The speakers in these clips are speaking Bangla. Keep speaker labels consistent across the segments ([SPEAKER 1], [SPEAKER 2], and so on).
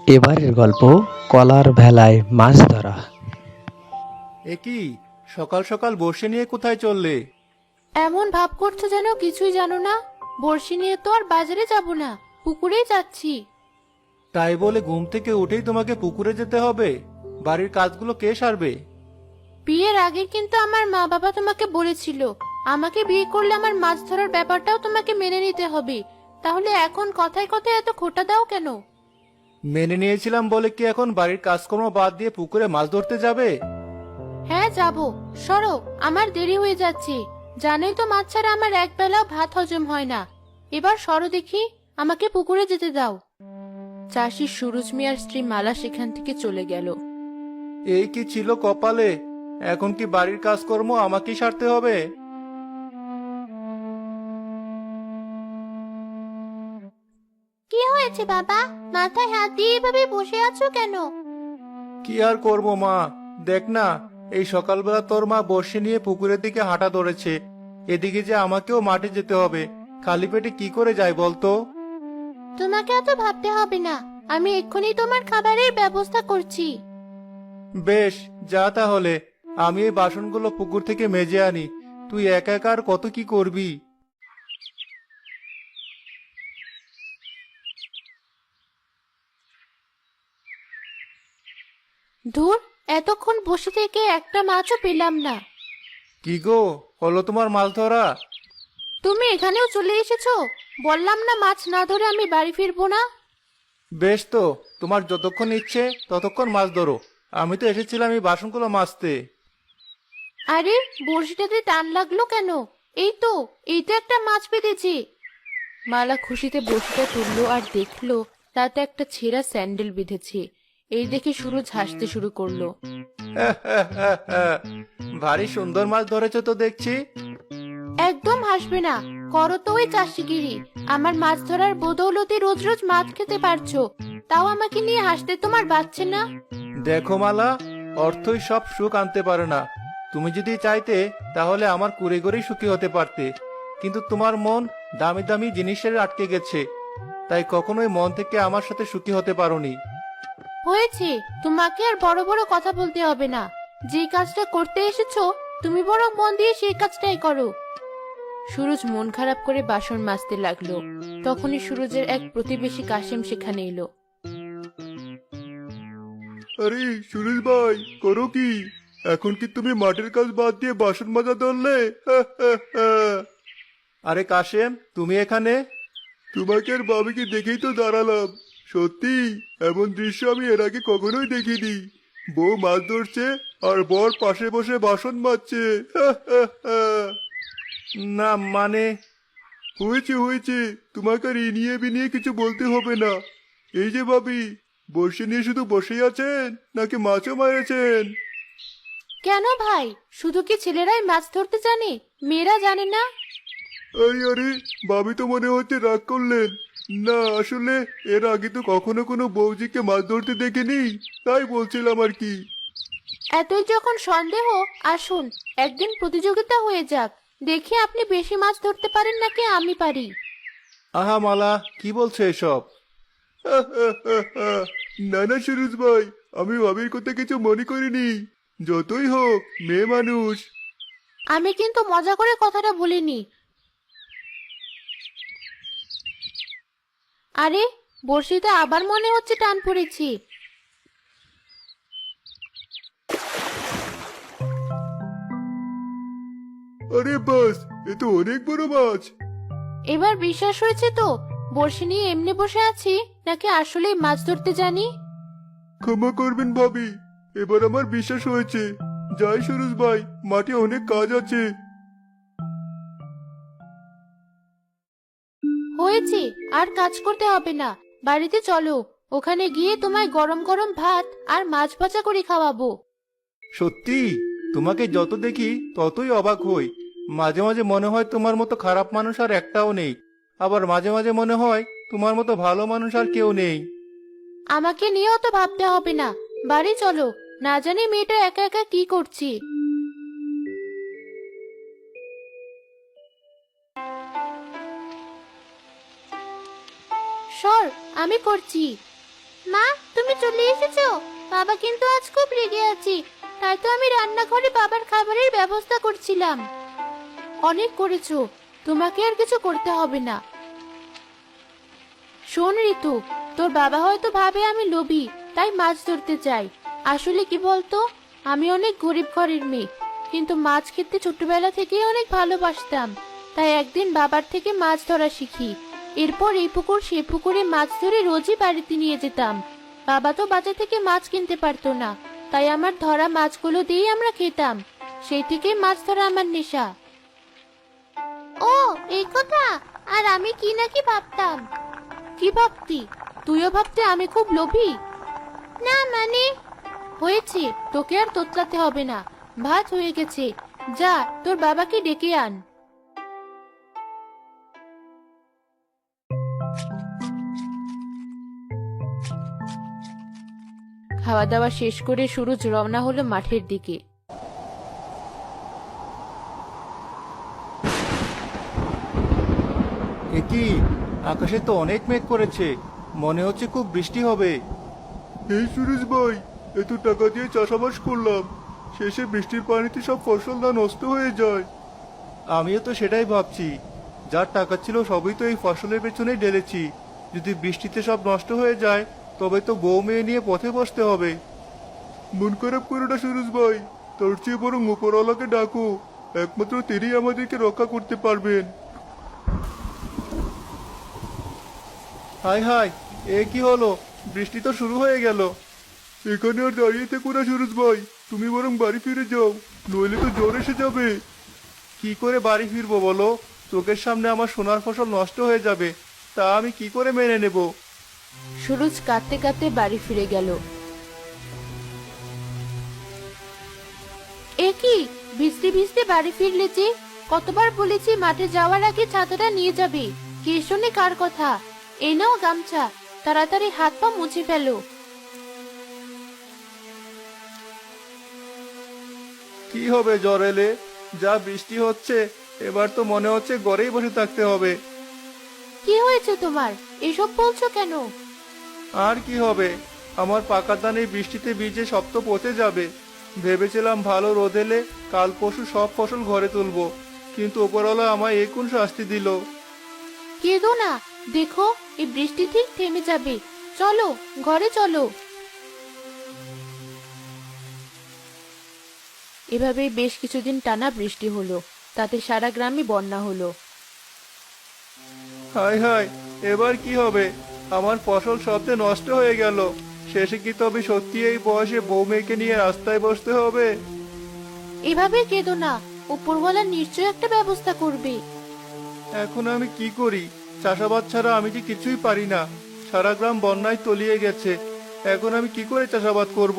[SPEAKER 1] এবারের গল্প কলার ভেলায় মাছ ধরা।
[SPEAKER 2] এ কি, সকাল সকাল বর্ষি নিয়ে কোথায় চললে?
[SPEAKER 3] এমন ভাব করছো যেন কিছুই জানো না। বড়শি নিয়ে তো আর বাজারে যাব না, পুকুরেই যাচ্ছি।
[SPEAKER 2] তাই বলে ঘুম থেকে উঠেই তোমাকে পুকুরে যেতে হবে? বাড়ির কাজগুলো কে সারবে?
[SPEAKER 3] বিয়ের আগে কিন্তু আমার মা বাবা তোমাকে বলেছিল, আমাকে বিয়ে করলে আমার মাছ ধরার ব্যাপারটাও তোমাকে মেনে নিতে হবে। তাহলে এখন কথায় কথায় এত খোঁটা দাও কেন?
[SPEAKER 2] মেনে নিয়েছিলাম বলে কি এখন বাড়ির কাজকর্ম বাদ দিয়ে পুকুরে মাছ ধরতে যাবে?
[SPEAKER 3] হ্যাঁ যাব। সরো, আমার দেরি হয়ে যাচ্ছে। জানোই তো মাছ ছাড়া আমার এক বেলাও ভাত হজম হয় না। এবার সরো দেখি, আমাকে পুকুরে যেতে দাও। চাষি সুরজ মিয়ার স্ত্রী মালা সেখান থেকে চলে গেল।
[SPEAKER 2] এই কি ছিল কপালে! এখন কি বাড়ির কাজকর্ম আমাকেই সারতে হবে?
[SPEAKER 3] কি হয়েছে বাবা? মাথায় হাত দিয়ে এভাবে বসে আছো কেন?
[SPEAKER 2] কি আর করব মা, দেখ না, এই সকালবেলা তোর মা বর্ষি নিয়ে পুকুরের দিকে হাঁটা ধরেছে। এদিকে যে আমাকেও মাঠে যেতে হবে, খালি পেটে কি করে যাই বলতো?
[SPEAKER 3] তোমাকে এত ভাবতে হবে না, আমি এক্ষুনি তোমার খাবারের ব্যবস্থা করছি।
[SPEAKER 2] বেশ, যা তাহলে। আমি এই বাসনগুলো পুকুর থেকে মেজে আনি। তুই একা একা আর কত কি করবি?
[SPEAKER 3] ধুর, এতক্ষণ বসে থেকে একটা মাছও পেলাম না।
[SPEAKER 2] কি গো, হলো তোমার মাছ ধরা?
[SPEAKER 3] তুমি এখানেও চলে এসেছো? বললাম না মাছ না ধরে আমি বাড়ি ফিরবো না।
[SPEAKER 2] বেশ তো, তোমার যতক্ষণ ইচ্ছে ততক্ষণ মাছ ধরো। আমি তো এসেছিলাম এই বাসনগুলো মাজতে।
[SPEAKER 3] আরে, বড়শিটাতে টান লাগলো কেন? এই তো, এই তো একটা মাছ পেতেছি। মালা খুশিতে বড়শিটা তুললো আর দেখলো তাতে একটা ছেঁড়া স্যান্ডেল বিঁধেছে। এই দেখে সুরজ হাসতে শুরু করলো।
[SPEAKER 2] ভারী সুন্দর মাছ ধরেছো তো দেখছি।
[SPEAKER 3] একদম হাসবে না, করো তো ওই চাষিগিরি। আমার মাছ ধরার বদৌলতে রোজ রোজ মাছ খেতে পারছো, তাও আমাকে নিয়ে হাসতে তোমার বাচ্ছে না?
[SPEAKER 2] দেখো মালা, অর্থই সব সুখ আনতে পারে না। তুমি যদি চাইতে তাহলে আমার কুড়ে ঘরেই সুখী হতে পারতে, কিন্তু তোমার মন দামি দামি জিনিসের আটকে গেছে, তাই কখনোই মন থেকে আমার সাথে সুখী হতে পারোনি।
[SPEAKER 3] হয়েছে, তোমাকে আর বড় বড় কথা বলতে হবে না। যে কাজটা করতে এসেছো তুমি বরং মন দিয়ে সেই কাজটাই করো। সুরজ মন খারাপ করে বাসন মাজতে লাগলো। তখনই সুরজের এক প্রতিবেশী কাশেম সেখানে এলো।
[SPEAKER 2] আরে সুরেশ ভাই, করো কি? এখন কি তুমি মাঠের কাজ বাদ দিয়ে বাসন মাজা ধরলে? আরে কাশেম, তুমি এখানে? তোমাকে আর বাবিকে দেখেই তো দাঁড়ালাম। সত্যি, এমন দৃশ্য আমি এর আগে কখনোই দেখিনি। বউ মাছ ধরছে আর বর পাশে বসে বাসন মাজছে। না মানে, হয়েছে হয়েছে, তোমাকে আর এ নিয়ে বিনিয়ে কিছু বলতে হবে না। এই যে ভাবি, বসে নিয়ে শুধু বসেই আছেন নাকি মাছও মারেছেন?
[SPEAKER 3] কেন ভাই, শুধু কি ছেলেরাই মাছ ধরতে জানে, মেয়েরা জানে না?
[SPEAKER 2] আরে আরে, ভাবি তো মনে হচ্ছে রাগ করলেন। না আসলে, এর আগে তো কখনো কোনো বৌজিকে মাছ ধরতে দেখিনি, তাই বলছিলাম আর কি।
[SPEAKER 3] এতই যখন সন্দেহ, আসুন একদিন প্রতিযোগিতা হয়ে যাক। দেখি আপনি বেশি মাছ ধরতে পারেন নাকি আমি পারি।
[SPEAKER 2] আহা মালা, কি বলছো এসব? না না সুরজ ভাই, আমি ভাবির কথা কিছু মনে করিনি। যতই হোক, মেয়ে মানুষ।
[SPEAKER 3] আমি কিন্তু মজা করে কথাটা বলিনি। আরে, বড়শিতে আবার মনে হচ্ছে টান পড়েছি।
[SPEAKER 2] আরে বাস, এ তো অনেক বড় মাছ।
[SPEAKER 3] এবার বিশ্বাস হয়েছে তো বড়শি নিয়ে এমনি বসে আছি নাকি আসলেই মাছ ধরতে জানি?
[SPEAKER 2] ক্ষমা করবেন ভাবি, এবার আমার বিশ্বাস হয়েছে। যাই সুরজ ভাই, মাঠে অনেক কাজ আছে।
[SPEAKER 3] হয়েছে, আর কাজ করতে হবে না। বাড়িতে চলো, ওখানে গিয়ে তোমায় গরম গরম ভাত আর মাছ ভাজা করে খাওয়াবো।
[SPEAKER 2] সত্যি, তোমাকে যত দেখি ততই অবাক হই। মাঝে মাঝে মনে হয় তোমার মতো খারাপ মানুষ আর একটাও নেই, আবার মাঝে মাঝে মনে হয় তোমার মতো ভালো মানুষ আর কেউ নেই।
[SPEAKER 3] আমাকে নিয়েও তো ভাবতে হবে না। বাড়ি চলো, না জানি মেয়েটা একা একা কি করছি। সর, আমি করছি। মা, তুমি তুমি চলে এসেছো? বাবা কিন্তু আজ খুব রেগে আছে, তাই তো আমি রান্নাঘরে বাবার খাবারের ব্যবস্থা করছিলাম। অনেক করেছো, তোমাকে আর কিছু করতে হবে না। শোন ঋতু, তোর বাবা হয়তো ভাবে আমি লোভী, তাই মাছ ধরতে চাই। আসলে কি বলতো, আমি অনেক গরিব ঘরের মেয়ে, কিন্তু মাছ খেতে ছোটবেলা থেকেই অনেক ভালোবাসতাম। তাই একদিন বাবার থেকে মাছ ধরা শিখি। এরপর এই পুকুর সে পুকুরে মাছ ধরে রোজই বাড়িতে নিয়ে যেতাম। বাবা তো বাজার থেকে মাছ কিনতে পারতো না, তাই আমার ধরা মাছগুলো দিয়েই আমরা খেতাম। সেই থেকেই মাছ ধরা আমার নেশা। ও, এই কথা। আর আমি কি নাকি ভাবতাম। কি ভাবতি? তুইও ভাবতে আমি খুব লোভী? না মানে, হয়েছে, তোকে আর তোতলাতে হবে না। ভাত হয়ে গেছে, যা তোর বাবাকে ডেকে আন। খাওয়া দাওয়া শেষ করে সুরজ রওনা হলো মাঠের দিকে।
[SPEAKER 2] এ কি, আকাশে তো অনেক মেঘ করেছে, মনে হচ্ছে খুব বৃষ্টি হবে। এই সুরেশ ভাই, এত টাকা দিয়ে চাষাবাস করলাম, শেষে বৃষ্টির পানিতে সব ফসল না নষ্ট হয়ে যায়। আমিও তো সেটাই ভাবছি, যার টাকা ছিল সবই তো এই ফসলের পেছনেই ঢেলেছি। যদি বৃষ্টিতে সব নষ্ট হয়ে যায়, তবে তো বউ মেয়ে নিয়ে পথে বসতে হবে। মন খারাপ করো না সুরেশ ভাই, তোর চেয়ে বরং উপরওয়ালাকে ডাকো, একমাত্র তিনি আমাদেরকে রক্ষা করতে পারবেন। হাই হাই, এ কি হলো? বৃষ্টি তো শুরু হয়ে গেল। এখানে আর দাঁড়িয়ে থেকো না সুরজ ভাই, তুমি বরং বাড়ি ফিরে যাও, নইলে তো জ্বর এসে যাবে। কি করে বাড়ি ফিরবো বলো? চোখের সামনে আমার সোনার ফসল নষ্ট হয়ে যাবে, তা আমি কি করে মেনে নেব?
[SPEAKER 3] সুরজ কাঁদতে কাঁদতে বাড়ি ফিরে গেল। এ কি, ভিজতে ভিজতে বাড়ি ফিরলে যে? কতবার বলেছি মাঠে যাওয়ার আগে ছাতাটা নিয়ে যাবে, কে শোনে কার কথা? এই নাও গামছা, তাড়াতাড়ি হাত পা মুছে ফেলো।
[SPEAKER 2] কি হবে জ্বর এলে? যা বৃষ্টি হচ্ছে, এবার তো মনে হচ্ছে ঘরেই বসে থাকতে হবে।
[SPEAKER 3] কি হয়েছে তোমার, এসব বলছো কেন?
[SPEAKER 2] আর কি হবে, আমার পাকা ধান এই বৃষ্টিতে ভিজে সব তো পচে যাবে। ভেবেছিলাম ভালো রোদ এলে কাল পরশু সব ফসল ঘরে তুলবো, কিন্তু ওপরওয়ালা আমায় এ কোন শাস্তি দিল?
[SPEAKER 3] কেঁদো না, দেখো এই বৃষ্টি ঠিক থেমে যাবে। চলো, ঘরে চলো। এভাবেই বেশ কিছুদিন টানা বৃষ্টি হলো, তাতে সারা গ্রামে বন্যা হলো।
[SPEAKER 2] হায় হায়, এবার কি হবে? আমার ফসল সবতে নষ্ট হয়ে গেল। শেষে কি তবে সত্যি এই বয়সে বউ মেয়েকে নিয়ে রাস্তায় বসতে হবে?
[SPEAKER 3] এভাবে কেঁদো না, উপরওয়ালা নিশ্চয় একটা ব্যবস্থা করবে।
[SPEAKER 2] এখন আমি কি করি? চাষাবাদ ছাড়া আমি যে কিছুই পারি না। সারা গ্রাম বন্যায় তলিয়ে গেছে, এখন আমি কি করে চাষাবাদ করব?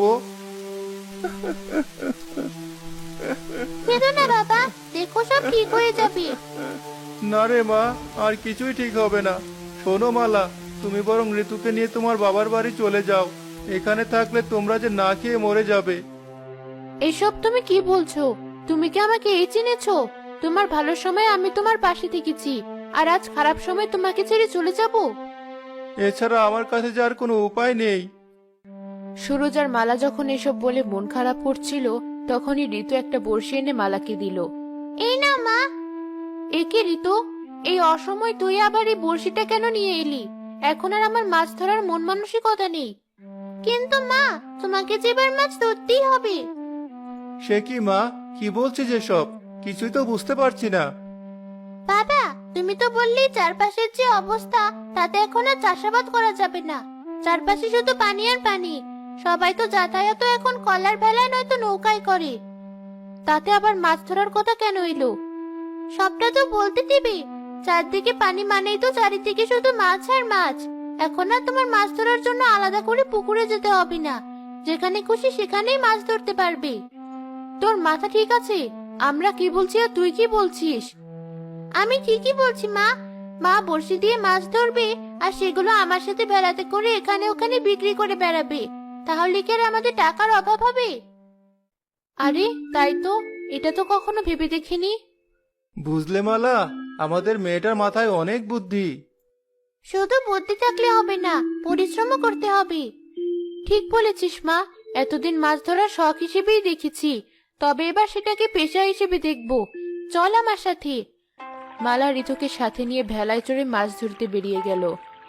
[SPEAKER 3] কেঁদো না বাবা, দেখো সব ঠিক হয়ে যাবে।
[SPEAKER 2] না রে মা, আর কিছুই ঠিক হবে না। শোনো মালা, তুমি বরং ঋতুকে নিয়ে তোমার বাবার বাড়ি চলে যাও। এখানে থাকলে তোমরা যে না খেয়ে মরে যাবে।
[SPEAKER 3] এসব তুমি কি বলছো? তুমি কি আমাকে এই চিনেছো? তোমার ভালো সময় আমি তোমার পাশে থেকেছি, আর আজ খারাপ সময় তোমাকে ছেড়ে চলে যাব?
[SPEAKER 2] এছাড়া আমার কাছে যে আর কোনো উপায় নেই।
[SPEAKER 3] সুরজ আর মালা যখন এসব বলে মন খারাপ করছিল, তখনই ঋতু একটা বড়শি এনে মালাকে দিল। এই না মা। একে ঋতু, এই অসময় তুই আবার এই বড়শিটা কেন নিয়ে এলি? এখন আর আমার মাছ ধরার মন মানসিকতা নেই। কিন্তু মা, তোমাকে যে এবার মাছ ধরতেই হবে।
[SPEAKER 2] সে কি মা, কি বলছে যেসব? কিছুই তো বুঝতে পারছি না।
[SPEAKER 3] বাবা, তুমি তো বললি চারপাশের যে অবস্থা, তাতে এখন আর চাষাবাদ করা যাবে না। চারপাশে শুধু পানি আর পানি। সবাই তো যাতায়াত এখন কলার ভেলায় নয়তো নৌকায় করে। তাতে আবার মাছ ধরার কথা কেন এলো? সবটা তো বলতে দিবি। চারদিকে পানি মানেই তো চারিদিকে শুধু মাছ আর মাছ। এখন আর তোমার মাছ ধরার জন্য আলাদা করে পুকুরে যেতে হবে না, যেখানে খুশি সেখানেই মাছ ধরতে পারবে। তোর মাথা ঠিক আছে? আমরা কি বলছি আর তুই কি বলছিস? আমি ঠিকই বলছি মা। মা বড়শি দিয়ে মাছ ধরবে, আর সেগুলো আমার সাথে বেড়াতে করে এখানে ওখানে বিক্রি করে বেড়াবে। তাহলে কি আর আমাদের টাকার অভাব হবে? আরে তাই তো, এটা তো কখনো ভেবে দেখিনি।
[SPEAKER 2] বুঝলে মালা, আমাদের মেয়েটার মাথায় অনেক বুদ্ধি।
[SPEAKER 3] শুধু বুদ্ধি থাকলে হবে না, পরিশ্রমও করতে হবে। ঠিক বলেছিস মা, এতদিন মাছ ধরার শখ হিসেবেই দেখেছি, তবে এবার সেটাকে পেশা হিসেবে দেখব। চল আমার সাথে। মালা ঋতুকে সাথে নিয়ে ভেলায় চড়ে মাছ ধরতে বেরিয়ে গেল।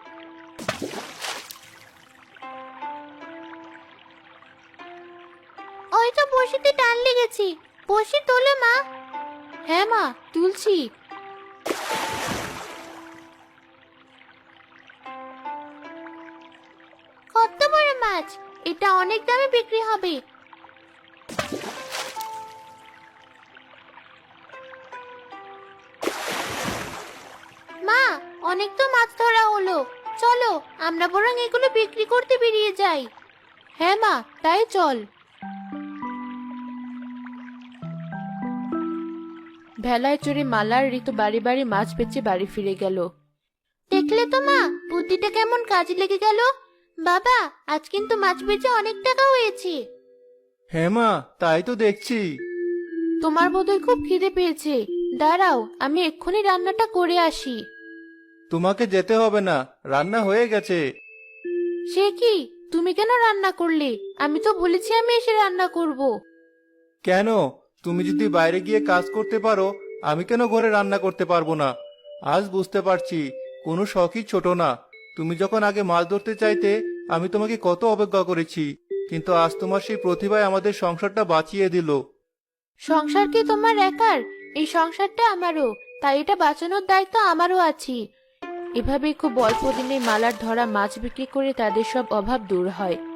[SPEAKER 3] ওই তো বড়শিতে টান লেগেছে, বড়শি তোলো মা। হ্যাঁ মা, তুলছি। কত বড় মাছ! এটা অনেক দামে বিক্রি হবে। মা, অনেক তো মাছ ধরা হলো, চলো আমরা বরং এগুলো বিক্রি করতে বেরিয়ে যাই। হ্যাঁ মা, তাই চল। ভেলায় চড়ে মালার ঋতু বাড়ি বাড়ি মাছ বেচে বাড়ি ফিরে গেল। দেখলে তো মা, বুদ্ধিটা কেমন কাজে লেগে গেল। বাবা, আজ কিন্তু মাছ বেচে অনেক টাকা হয়েছে।
[SPEAKER 2] হ্যাঁ মা, তাই তো দেখছি।
[SPEAKER 3] তোমার বোধহয় খুব খিদে পেয়েছে, দাঁড়াও আমি এক্ষুনি রান্নাটা করে আসি।
[SPEAKER 2] তোমাকে যেতে হবে না, রান্না হয়ে গেছে।
[SPEAKER 3] সে কি, তুমি কেন রান্না করলে? আমি তো বলেছি আমি এসে রান্না করব।
[SPEAKER 2] কেন? তুমি যদি বাইরে গিয়ে কাজ করতে পারো, আমি কেন ঘরে রান্না করতে পারবো না? আজ বুঝতে পারছি কোনো শখই ছোট না। তুমি যখন আগে মাছ ধরতে চাইতে, আমি তোমাকে কত অবজ্ঞা করেছি, কিন্তু আজ তোমার সেই প্রতিভায় আমাদের সংসারটা বাঁচিয়ে দিল।
[SPEAKER 3] সংসার কি তোমার একার? এই সংসারটা আমারও, তাই এটা বাঁচানোর দায়িত্ব আমারও আছে। এভাবে খুব অল্প দিনে মালার ধরা মাছ বিক্রি করে তাদের সব অভাব দূর হয়।